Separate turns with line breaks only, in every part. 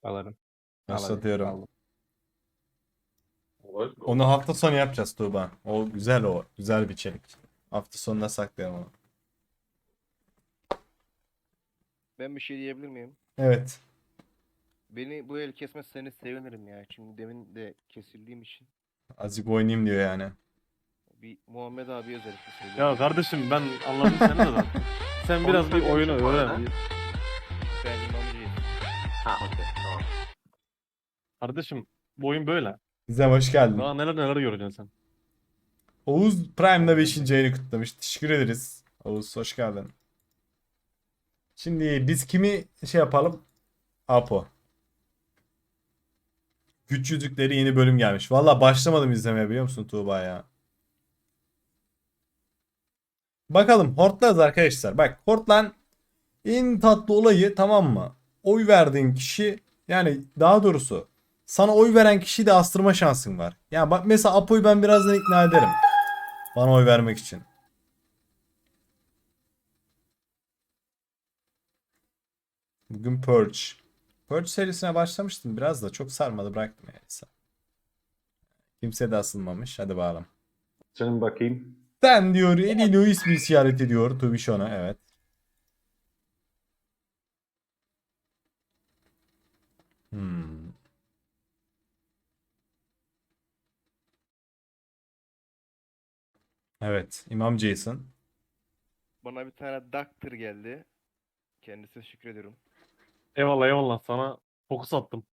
Alırım.
Başlatıyorum.
Aldım.
Olur.
Onu hafta sonu yapacağız Tuğba. O güzel o. Güzel bir içerik. Hafta sonuna saklayalım onu.
Ben bir şey diyebilir miyim?
Evet.
Beni bu el kesmezseniz sevinirim ya. Şimdi demin de kesildiğim için.
Azıcık oynayayım diyor yani.
Bir Muhammed abi özellikle söylüyorum.
Ya kardeşim ben anladım seni de zaten. Sen biraz bir oyunu öğren.
Ben imamcıyım.
Ha okey tamam. Kardeşim bu oyun böyle.
Bize hoş geldin.
Daha neler neler göreceksin sen.
Oğuz Prime'da 5. ayını kutlamış. Teşekkür ederiz. Oğuz hoş geldin. Şimdi biz kimi şey yapalım? Apo. Güç Yüzükleri yeni bölüm gelmiş. Valla başlamadım izlemeye biliyor musun Tuğba ya? Bakalım Hortlarız arkadaşlar. Bak Hortlan en tatlı olayı tamam mı? Oy verdiğin kişi yani daha doğrusu sana oy veren kişiyi de astırma şansın var. Yani bak mesela Apo'yu ben birazdan ikna ederim. Bana oy vermek için. Bugün Purge. Purge serisine başlamıştım biraz da çok sarmadı bıraktım yani. Kimse de asılmamış. Hadi bakalım.
Canım bakayım.
Sen diyor eliyle o ismi işaret ediyor Tubişon'a evet. Hmm. Evet. İmam Jason.
Bana bir tane Doctor geldi. Kendisine teşekkür ediyorum.
Eyvallah eyvallah sana fokus attım.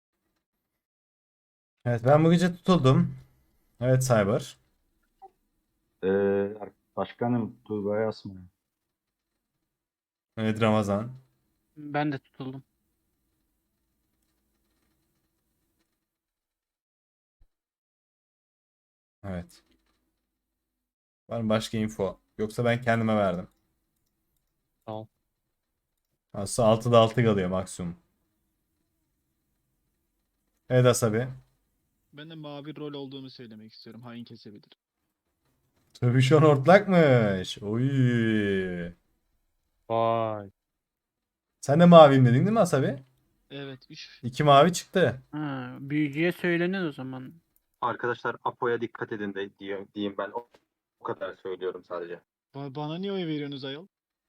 Evet ben bu gece tutuldum. Evet Cyber.
Başkanım Tuğba'ya asmayın.
Evet Ramazan.
Ben de tutuldum.
Evet. Var mı başka info? Yoksa ben kendime verdim.
Tamam.
Aslında 6'da 6 kalıyor maksimum. Evet Asabi.
Ben de mavi rol olduğumu söylemek istiyorum. Hain kesebilir.
Tubişon ortlakmış. Oy.
Vay.
Sen de maviyim dedin değil mi Asabi?
Evet 3.
2 mavi çıktı.
Ha, büyücüye söylenir o zaman.
Arkadaşlar Apo'ya dikkat edin de diyeyim ben. O kadar söylüyorum sadece.
Bana niye oy veriyorsunuz ayol?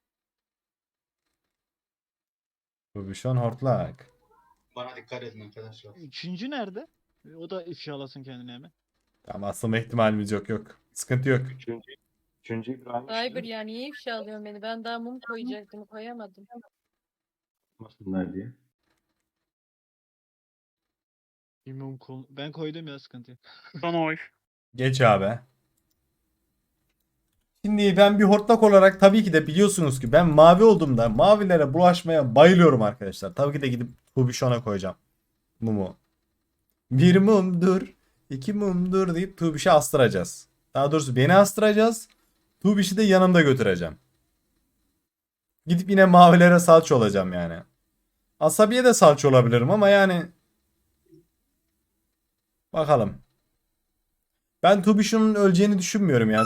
Tubişon hortlak.
Bana dikkat edin arkadaşlar.
Üçüncü nerede? O da ifşalasın kendini hemen.
Tamam asılma ihtimalimiz yok. Sıkıntı yok.
Üçüncü İbrahim
Cyber ya niye ifşa alıyorsun beni? Ben daha mum koyacaktım, koyamadım.
yapmasınlar diye.
Bilmiyorum ben koydum ya sıkıntı yok.
Son oy.
Geç abi. Şimdi ben bir hortlak olarak tabii ki de biliyorsunuz ki ben mavi olduğumda mavilere bulaşmaya bayılıyorum arkadaşlar. Tabii ki de gidip Tubişon'a koyacağım. Mumu. Bir mumdur, iki mumdur deyip Tubiş'i astıracağız. Daha doğrusu beni astıracağız. Tubiş'i de yanımda götüreceğim. Gidip yine mavilere salça olacağım yani. Asabiye de salça olabilirim ama yani bakalım. Ben Tubiş'in öleceğini düşünmüyorum ya.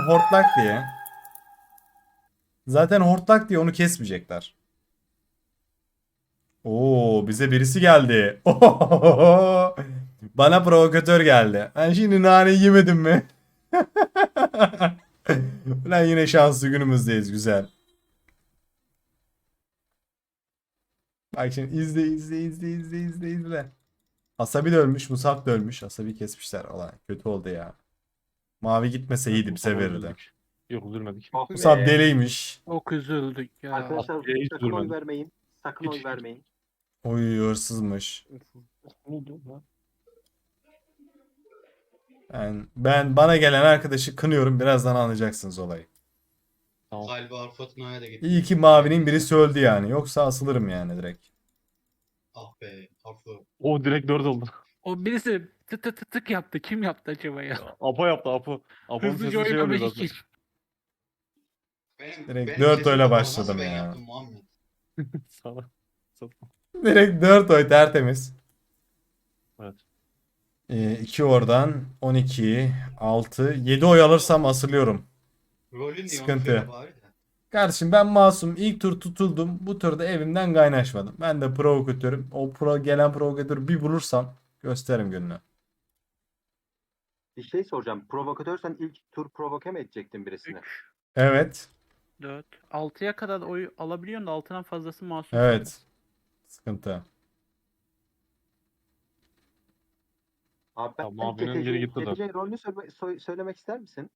Zaten hortlak diye onu kesmeyecekler. Oo bize birisi geldi. Ohohoho. Bana provokatör geldi. Ben şimdi nane yemedim mi? Ulan yine şanslı günümüzdeyiz güzel. Bak şimdi izle. Asabi de ölmüş, Musab da ölmüş. Asabi kesmişler. Ulan kötü oldu ya. Mavi gitmese iyiydi bize verirdi.
Üzüldük. Yok üzülmedik.
Oh
Musab
be.
deliymiş.
Çok üzüldük ya.
Arkadaşlar
Apo'ya hiç
sakın oy
üzülmedim.
vermeyin. Sakın oy vermeyin.
Oy hırsızmış. Ben bana gelen arkadaşı kınıyorum. Birazdan anlayacaksınız olayı.
Tamam.
Galiba Arfatna'ya da gitti.
İyi ki mavinin birisi öldü yani. Yoksa asılırım yani direkt.
Ah be Arfu.
O direkt 4 oldu.
O birisi tık tık tık tık yaptı. Kim yaptı acaba ya?
Apo yaptı Apo. Apo'nun
Hızlıca
sesi şey oluyor
oynamış
zaten.
için.
Direkt dört
sesim
oyla
kapalı.
başladım
Nasıl ben
ya.
yaptım Muhammed?
Sana.
Direkt 4 oy tertemiz.
Evet.
2 oradan 12, 6, 7 oy alırsam asılıyorum.
Rolün diye onu
Sıkıntı.
söyle bari de.
Kardeşim ben masum. İlk tur tutuldum. Bu turda evimden kaynaşmadım. Ben de provokatörüm. O gelen provokatörü bir bulursam gösteririm gününü.
Bir şey soracağım. Provokatörsen ilk tur provoke mi edecektin birisini?
3,
Evet.
4, 6'ya kadar oy alabiliyorsun da 6'dan fazlası masum.
Evet. Sıkıntı.
Abi ben
Ya, mavinin biri gitti de.
GTC rolünü söylemek ister misin?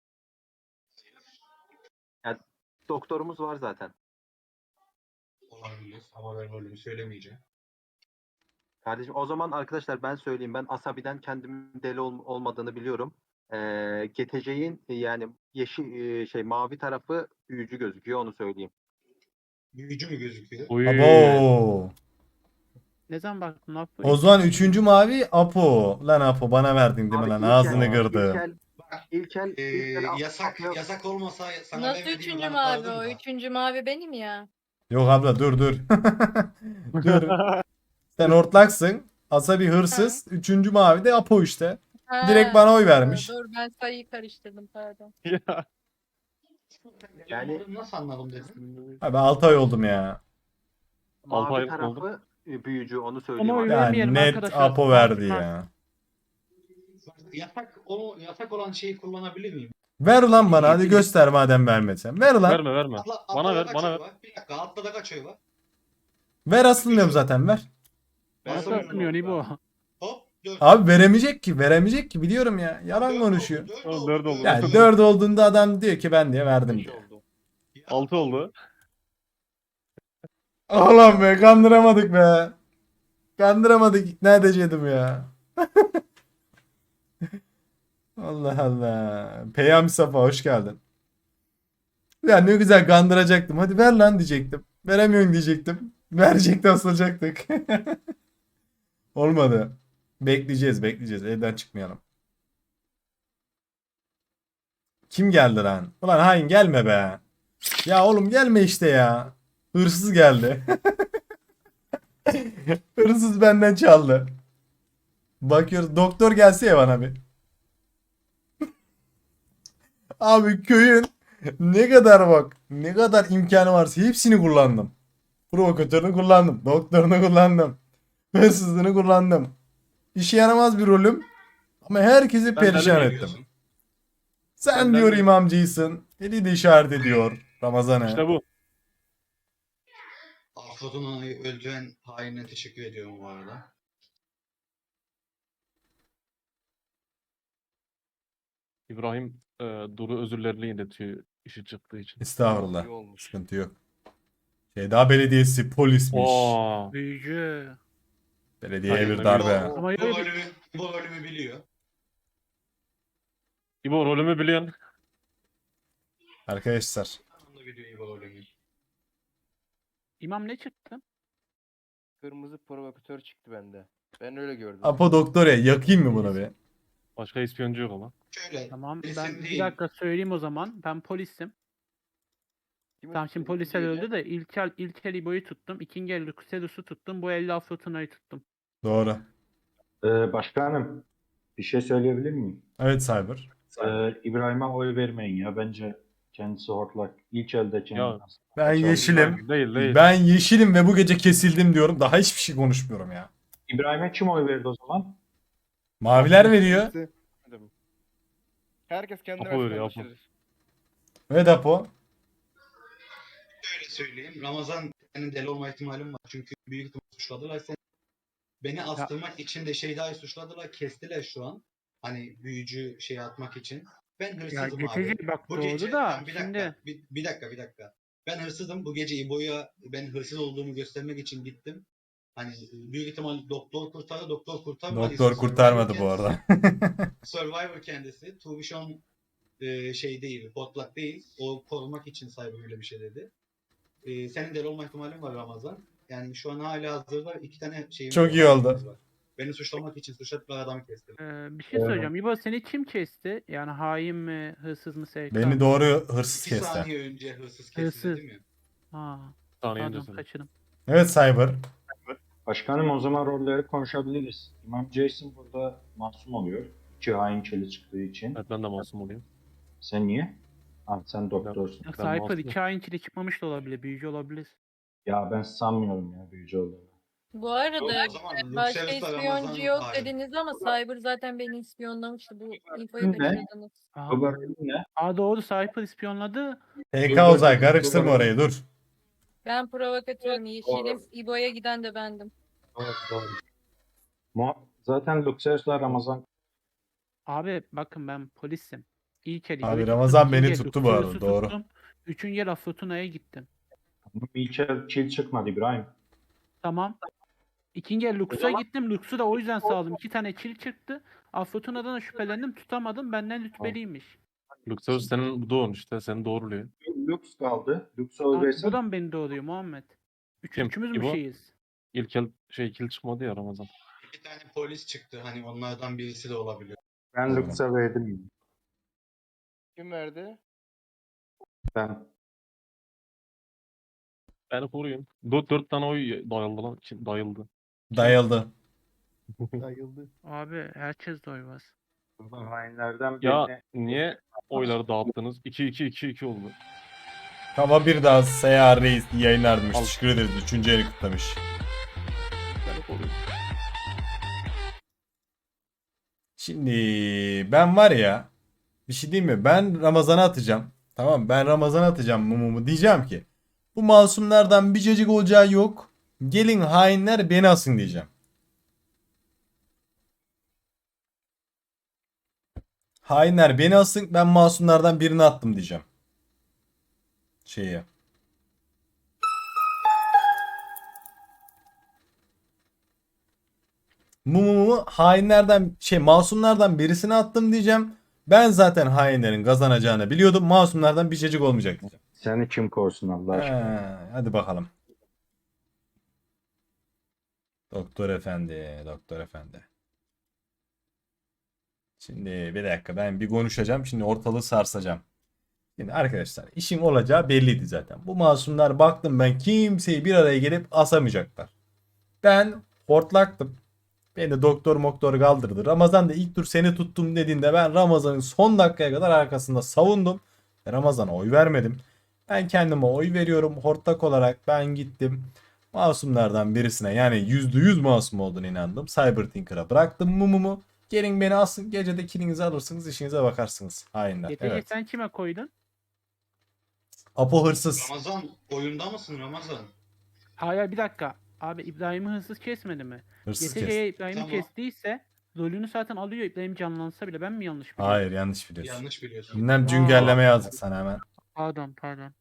Yani doktorumuz var zaten.
Olabilir ama ben rolümü söylemeyeceğim.
Kardeşim o zaman arkadaşlar ben söyleyeyim. Ben Asabi'den kendimin deli olmadığını biliyorum. GTC'nin yani yeşil mavi tarafı büyücü gözüküyor onu söyleyeyim.
Büyücü mü gözüküyor?
Uy.
Abo.
Ne zaman baktın lan?
O zaman üçüncü mavi Apo. Lan Apo bana verdin değil mi
Abi
lan?
İlkel-
Ağzını kırdı.
İlkel
Yasak yasak olmasa sana
Nasıl
vermediğimi
üçüncü
kanıtlardım
mavi o?
da.
Üçüncü mavi benim ya.
Yok abla dur dur. Dur. Sen hortlaksın. Asabi hırsız. Üçüncü mavi de Apo işte.
Ha,
Direkt bana oy vermiş.
Dur ben sayıyı karıştırdım pardon.
Ya.
Yani-
Nasıl anladım dedim.
Abi 6 ay oldum ya.
Altı
mavi
aylık oldu.
tarafı büyücü onu söyleyeyim.
Ona oy
abi.
Ya
vermeyelim
net
arkadaşlar.
Apo
Mavi
verdi
kart.
ya.
Yasak olan şeyi kullanabilir miyim?
Ver lan bana hadi göster madem vermedin. Ver lan.
Verme verme. Bana ver
kaç
bana
oy
ver.
var? Bir dakika altta da kaç oy var?
Ver asılmıyorum zaten ver.
Ben
Nasıl
söylüyorum
atmıyor İbo?
orada. Hop 4.
Abi veremeyecek ki. Veremeyecek ki biliyorum ya. Yalan konuşuyor.
Oğlum, dört oldu.
Yani 4 olduğunda adam diyor ki ben diye verdim
Beş
diyor.
oldu.
6 oldu.
Oğlum be kandıramadık be. Kandıramadık ikna edecektim ya. Allah Allah. Peyami Safa hoş geldin. Ya ne güzel kandıracaktım. Hadi ver lan diyecektim. Veremiyorsun diyecektim. Verecekti asılacaktık. Olmadı. Bekleyeceğiz bekleyeceğiz. Evden çıkmayalım. Kim geldi lan? Ulan hain gelme be. Ya oğlum gelme işte ya. Hırsız geldi. Hırsız benden çaldı. Bakıyoruz doktor gelse ya bana bir. Abi köyün ne kadar bak ne kadar imkanı varsa hepsini kullandım. Provokatörünü kullandım. Doktorunu kullandım. Hırsızlığını kullandım. İşe yaramaz bir rolüm. Ama herkesi perişan
de
ettim. Sen
Ben
diyor
de-
imamcıysın. Eli de işaret ediyor Ramazan'a.
İşte bu.
Afrod'un öldüren hainine teşekkür ediyorum bu arada.
İbrahim Duru özürlerini iletiyor işi çıktığı için.
Estağfurullah.
İyi olmuş.
Sıkıntı yok. Şeyda Belediyesi polismiş.
Oo.
Büyücü.
Belediyeye
Hayır,
bir darbe.
Bu,
Ama
bu
öyle bir-
rolümü, bu rolümü biliyor.
İbo rolümü biliyorsun.
Arkadaşlar.
Onu da biliyor bu rolümü.
İmam ne çıktı?
Kırmızı provokatör çıktı bende. Ben öyle gördüm.
Apo doktor ya yakayım mı bunu bir?
Başka ispiyoncu yok ama.
Şöyle.
Tamam
Polisim
ben bir
değil.
dakika söyleyeyim o zaman. Ben polisim.
Kimi
Tamam şimdi
tuttun
polisler
diğeri?
öldü de İlkel İbo'yu tuttum. İkinci el Sedus'u tuttum. Bu elde Afrotuna'yı tuttum.
Doğru.
Başkanım bir şey söyleyebilir miyim?
Evet Cyber.
İbrahim'e oy vermeyin ya. Bence kendisi hortlak. İlk elde kendini
Ya,
Ben
Çaldı.
yeşilim.
Değil değil.
Ben yeşilim ve bu gece kesildim diyorum. Daha hiçbir şey konuşmuyorum ya.
İbrahim'e kim oy verdi o zaman?
Maviler veriyor.
Kimse- Herkes kendine
Apo
versin
veriyor, Apo.
kardeşler.
Evet Apo.
Şöyle söyleyeyim. Ramazan senin deli olma ihtimalim var. Çünkü büyük ihtimal suçladılar seni. Beni astırmak için de Şeyda'yı suçladılar. Kestiler şu an. Hani büyücü şey atmak için. Ben
Ya
hırsızım abi.
geçici bak
Bu
doğru
gece
da
Tamam, bir dakika,
şimdi
bir dakika. Ben hırsızım. Bu gece İbo'ya ben hırsız olduğumu göstermek için gittim. Hani büyük ihtimal doktor kurtardı. Doktor kurtarmadı.
Doktor kurtarmadı bu arada.
Survivor kendisi. Tuvishon şey değil, botlak değil. O korumak için Cyber öyle bir şey dedi. Senin deli olma ihtimalin var Ramazan. Yani şu an hala hazırda iki tane şeyimiz
Çok iyi oldu.
var. Beni suçlamak için suçladıkları adamı kestim.
bir şey söyleyeceğim. İbo seni kim kesti? Yani hain mi, hırsız mı, SK
Beni
mı?
doğru hırsız
2
kesti.
saniye önce hırsız kesildi
Hırsız.
değil mi?
Ha,
Saniye
pardon
öncesinde.
kaçırdım.
Evet Cyber.
Başkanım o zaman rolleri konuşabiliriz. İmam Jason burada masum oluyor. İki hain çeli çıktığı için.
Evet ben de masum olayım.
Sen niye? Abi sen doktorsun.
Ya
Ben
Cypher
masum.
2 ayın içinde çıkmamış da olabilir. Büyücü olabilir.
Ya ben sanmıyorum ya büyücü olduğunu.
Bu arada
O zaman
başka
Luxemburg'da
ispiyoncu
Ramazan
yok
hain.
dediniz ama Cyber zaten beni ispiyonlamıştı. Bu infoyu
Ne?
kaçırdınız.
Aa,
Ne?
doğru, Cypher ispiyonladı.
PK Uzay karıştırma orayı dur.
Ben provokatörüm. Yeşilim. İbo'ya giden de bendim.
Doğru, doğru. Zaten Luxemburg'la Ramazan
Abi bakın ben polisim. İlk el
Abi
İbo'yu
Ramazan
tuttum,
beni
ikinci el
tuttu bu arada,
Luxurius'u
doğru.
tuttum. Üçüncü el Afrotuna'ya gittim.
Michel kill çıkmadı İbrahim.
Tamam. İkinci el Lux'a gittim. Lux'u da o yüzden sağladım. 2 tane kill çıktı. Afrotuna'dan da şüphelendim. Tutamadım. Benden rütbeliymiş.
Luxemburg senin doğun işte. Seni doğruluyor.
Lux kaldı. Lux'u
Aa,
öldürsen
bu da mı beni doğuruyor Muhammed?
Kim?
Üçümüz mü
İbo?
şeyiz?
İlk el kill çıkmadı ya Ramazan.
Bir tane polis çıktı. Hani onlardan birisi de olabilir.
ben Lux'a verdim.
Kim verdi?
Ben
Beni koruyun. 4 tane oy dayıldı lan. Dayıldı.
Dayıldı.
Dayıldı.
Abi herkes de oy var.
burada hainlerden
Ya
birini
niye oyları dağıttınız? 2-2-2-2 oldu.
Ama bir daha Seyyar Reis yayınlarmış.
Al.
Teşekkür ederiz. 3. eli kutlamış.
Beni koruyun.
Şimdi ben var ya, bir şey diyeyim mi? Ben Ramazan'a atacağım. Tamam, ben Ramazan'a atacağım mumumu. Diyeceğim ki bu masumlardan bir cacık olacağı yok. Gelin hainler beni asın diyeceğim. Hainler beni asın, ben masumlardan birini attım diyeceğim. Şeye. Mumumu hainlerden masumlardan birisine attım diyeceğim. Ben zaten hainlerin kazanacağını biliyordum. Masumlardan bir cacık olmayacak diyeceğim.
seni kim korusun Allah aşkına.
Hadi bakalım. Doktor efendi, doktor efendi. Şimdi bir dakika, ben bir konuşacağım. Şimdi ortalığı sarsacağım. Şimdi arkadaşlar, işin olacağı belliydi zaten. Bu masumlar, baktım ben, kimseyi bir araya gelip asamayacaklar. Ben hortlaktım. Beni doktor kaldırdı. Ramazan da ilk tur seni tuttum dediğinde ben Ramazan'ın son dakikaya kadar arkasında savundum. Ramazan'a oy vermedim. Ben kendime oy veriyorum. Hortlak olarak ben gittim. Masumlardan birisine, yani %100 masum olduğunu inandım. Cybertinker'a bıraktım mumumu. Gelin beni asın. Gecede kilinizi alırsınız. İşinize bakarsınız. Hainler.
Getice
Evet.
sen kime koydun?
Apo hırsız.
Ramazan oyunda mısın Ramazan?
Hayır, bir dakika. Abi İbrahim'i hırsız kesmedi mi?
Hırsız kes.
Getice'ye İbrahim'i
Tamam.
kestiyse rolünü zaten alıyor. İbrahim canlansa bile, ben mi yanlış biliyorum?
Hayır, yanlış biliyorsun.
Yanlış biliyorsun.
Bilmem, cüngelleme yazdık sana hemen.
Pardon.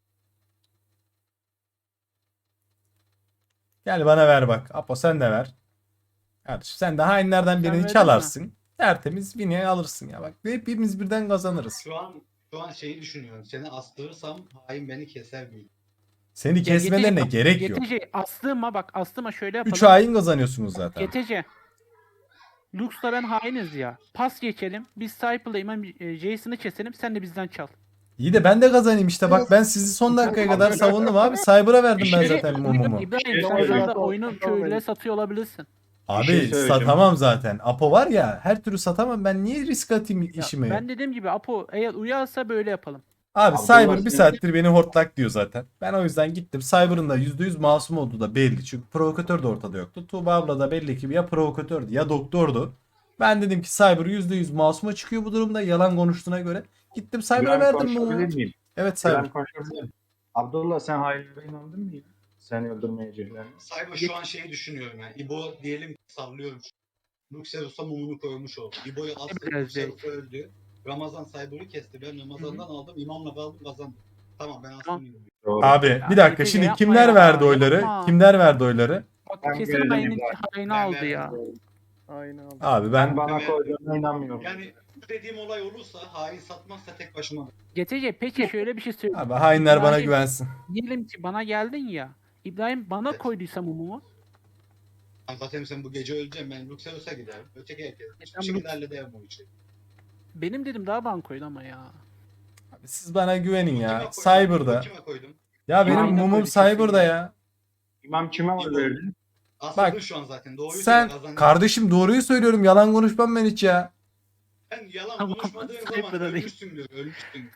Gel bana ver bak. Apo sen de ver. Kardeşim sen de hainlerden
Sen
birini
verdin
çalarsın. Tertemiz Vini alırsın ya. Bak hepimiz birden kazanırız.
Şu an şeyi düşünüyorum. Seni astırırsam hain beni keser büyük.
Seni kesmelerine gerek yok.
Getice astıma şöyle yapalım.
3 hain kazanıyorsunuz zaten.
Getice. Lux'la ben hainiz ya. Pas geçelim. Biz Cypher'la İmam Jason'ı keselim. Sen de bizden çal.
İyi de ben de kazanayım işte. Bak ben sizi son dakikaya kadar savundum abi. Cyber'a verdim ben zaten mumumu.
İbrahim sen şu anda oyunu köylüye satıyor olabilirsin.
Abi
şey söyleyeceğim.
satamam zaten. Apo var ya, her türlü satamam. Ben niye risk atayım
Ya,
işimi?
ben dediğim gibi Apo eğer uyarsa böyle yapalım.
Abi
Abdullah
Cyber bir
senin-
saattir beni hortlak diyor zaten. Ben o yüzden gittim. Cyber'ın da %100 masum olduğu da belli. Çünkü provokatör de ortada yoktu. Tuğba abla da belli ki ya provokatördü ya doktordu. Ben dedim ki Cyber %100 masuma çıkıyor bu durumda, yalan konuştuğuna göre. Gittim Cyber'a
İbrahim
verdim
konuşabilir
bunu.
miyim?
Evet Cyber.
İbrahim konuşabilir miyim? Abdullah sen hainlere inandın mı ya? Seni öldürmeyeceklerine.
Cyber şu an şeyi düşünüyorum yani. İbo diyelim ki sallıyorum. Luxemburg'a mumunu koymuş oldu. İbo'yu astı,
Biraz
Luxemburg öldü. Ramazan Cyber'ı kesti. Ben Ramazan'dan aldım. İmamla kaldım, kazandım. Tamam ben
Tamam.
astım.
Doğru.
Abi bir dakika,
Getice
şimdi
yapma
kimler
ya,
verdi oyları?
yapma.
Kimler verdi oyları?
Bak
Ben
kesin
görelim
haini
İbrahim.
aldı ya.
Aynen abi.
Abi
Ben
ben
bana koyduğuna inanmıyorum.
Yani bu dediğim olay olursa hain satmazsa tek başıma.
Getice peki şöyle bir şey söyleyeyim.
abi hainler bana
İbrahim-
güvensin.
Diyelim ki bana geldin ya. İbrahim bana
Evet.
koyduysa mumumu.
Zaten sen bu gece öleceksin. Ben Luxemburg'a giderim. Öteki herkes. Hiçbir
Sen
şekilde hallederim o işi.
Benim dedim daha bana koydu ama ya.
Abi siz bana güvenin
Kime
ya.
koydum?
Cyber'da.
Kime koydum?
Ya benim
Aynen
mumum
öyle,
Cyber'da ya.
İmam kime oy verdi?
Asıldın
Bak,
şu an zaten. Doğruyu
Sen
söyle, kazandın.
kardeşim doğruyu söylüyorum. Yalan konuşmam ben hiç ya.
Sen yalan
Tamam,
konuşmadığın
Cyber'da
zaman
değil.
ölmüşsün diyor. Ölmüşsün.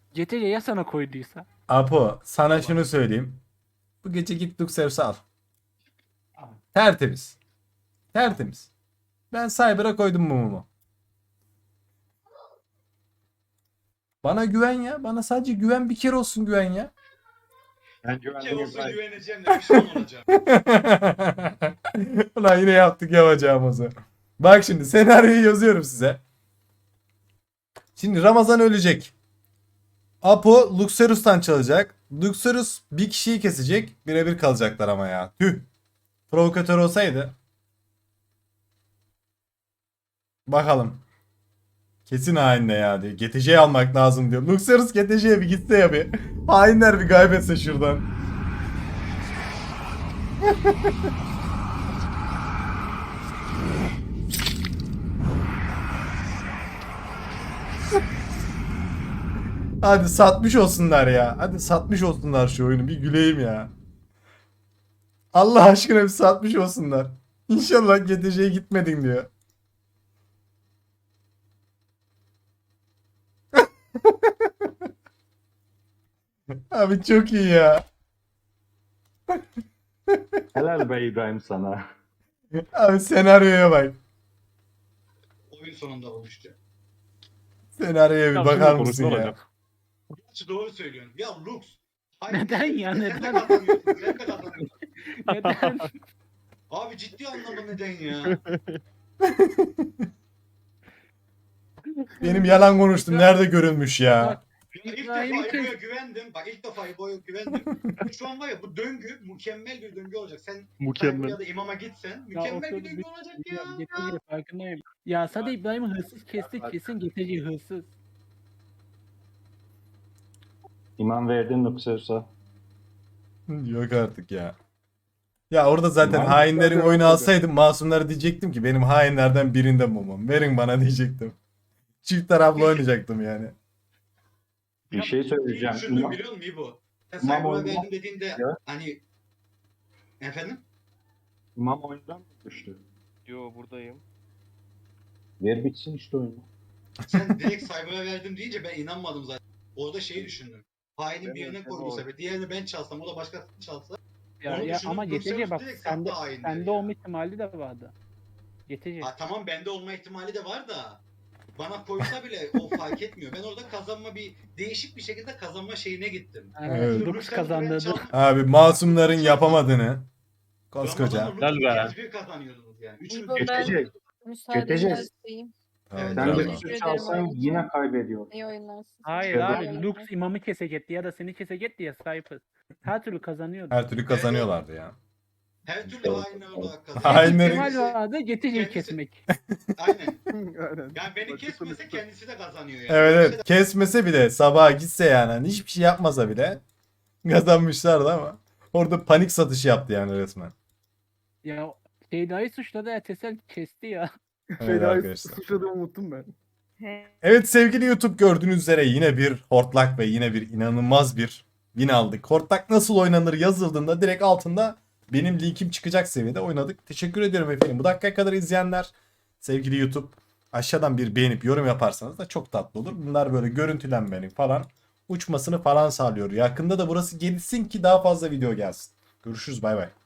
GTC ya sana koyduysa?
Apo sana şunu söyleyeyim. Bu gece git Luxerus'u al. Tertemiz. Tertemiz. Ben Cyber'a koydum mumumu. Bana güven ya. Bana sadece güven, bir kere olsun güven ya.
Ben
Bir kere
güvendim
olsa
İbrahim.
güveneceğim de pişman olacağım.
Ulan yine yaptık yapacağımızı. Bak şimdi senaryoyu yazıyorum size. Şimdi Ramazan ölecek. Apo Luxerus'tan çalacak. Luxerus bir kişiyi kesecek. Birebir kalacaklar ama ya. Tüh. Provokatör olsaydı. Bakalım. Kesin hainle ya diyor. GTC'yi almak lazım diyor. Luxerus GTC'ye bir gitse ya bir. Hainler bir kaybetse şuradan. Hadi satmış olsunlar ya. Hadi satmış olsunlar şu oyunu. Bir güleyim ya. Allah aşkına bir satmış olsunlar. İnşallah GTC'ye gitmedin diyor. Abi çok iyi ya.
Helal be İbrahim sana.
Abi senaryoya bak.
Oyun sonunda olmuştu.
Senaryoya bir
Ya
bakar
şimdi
mısın
konuşma
ya?
olacak.
Gerçi doğru söylüyorsun. Ya Lux.
Neden ya,
Sen de
neden?
kazanıyorsun. Sen de kazanıyorsun.
Neden?
Abi ciddi anlamda neden ya?
Benim yalan konuştum. Nerede görülmüş ya?
Ya ilk defa
İbrahim'i kes-
İbo'ya güvendim. Bak ilk defa İbo'ya güvendim. Şu an var ya bu döngü mükemmel bir döngü olacak. Sen
Mükemmel.
ya da imama gitsen mükemmel bir döngü olacak ya.
GTC farkındayım. Ya sadece İbrahim'i hırsız kesti, kesin GTC hırsız.
İman verdin Luxerus'a.
Yok artık ya. Ya orada zaten
Tamam.
hainlerin oyunu alsaydım masumlara diyecektim ki benim hainlerden birinde mumum. Verin bana diyecektim. Çift taraflı oynayacaktım yani.
Bir şey söyleyeceğim.
Düşündüm
İmam,
biliyor musun İbo? Sen
İmam
Cyber'a
oyunu-
verdim dediğinde
Ya.
hani efendim?
İmam oyundan mı düştü?
Yo buradayım.
Ver bitsin işte oyunu.
Sen direkt Cyber'a verdim deyince ben inanmadım zaten. Orada şeyi düşündüm. Hainin
Ben
birine
de-
koyduysa ve diğerini ben çalsam o da başkasını çalsa.
Ya,
Onu
ya
düşünüp
ama
Luxemburg
GTC bak
direkt
sende,
sattı hainleri
sende
ya.
olma ihtimali de vardı. GTC.
Ha, tamam bende olma ihtimali de var da bana koysa bile o fark etmiyor. Ben orada kazanma bir değişik bir şekilde kazanma şeyine gittim.
Evet.
Şimdi
Lux
Luxemburg'u ben
kazandırdı.
çaldım.
Abi masumların yapamadığını koskoca.
Ramazan'la Lux
Gel be.
ikiniz bir kazanıyordunuz yani. Üçünüz
İbo
bir
ben
GTC.
müsaadenizi
GTC.
isteyeyim.
Evet,
Tamam,
Sen de
tamam.
Teşekkür
Luxerus
ederim
alsan
oyun için.
yine kaybediyor.
İyi oyunlarsın.
Hayır
Evet.
abi Lux imamı kesecekti ya da seni kesecekti ya Cypher. Her türlü kazanıyordu.
Her türlü kazanıyorlardı ya.
her türlü hainler olarak kazanıyor.
Hainlerin-
İhtimal
Kendisi-
vardı GTC'yi
kendisi-
kesmek.
Aynen.
Aynen.
Yani beni kesmese kendisi de kazanıyor yani.
Evet evet kesmese bile sabaha gitse yani hani hiçbir şey yapmasa bile kazanmışlardı ama orada panik satışı yaptı yani resmen.
Ya Şeyda'yı suçladı Ersel kesti ya.
Evet arkadaşlar.
Suçladığımı unuttum ben.
Evet sevgili YouTube gördüğünüz üzere yine bir hortlak ve yine bir inanılmaz bir win aldık. Hortlak nasıl oynanır yazıldığında direkt altında benim linkim çıkacak seviyede oynadık. Teşekkür ediyorum efendim. Bu dakikaya kadar izleyenler sevgili YouTube aşağıdan bir beğenip yorum yaparsanız da çok tatlı olur. Bunlar böyle görüntülenmenin falan uçmasını falan sağlıyor. Yakında da burası gelişsin ki daha fazla video gelsin. Görüşürüz bay bay.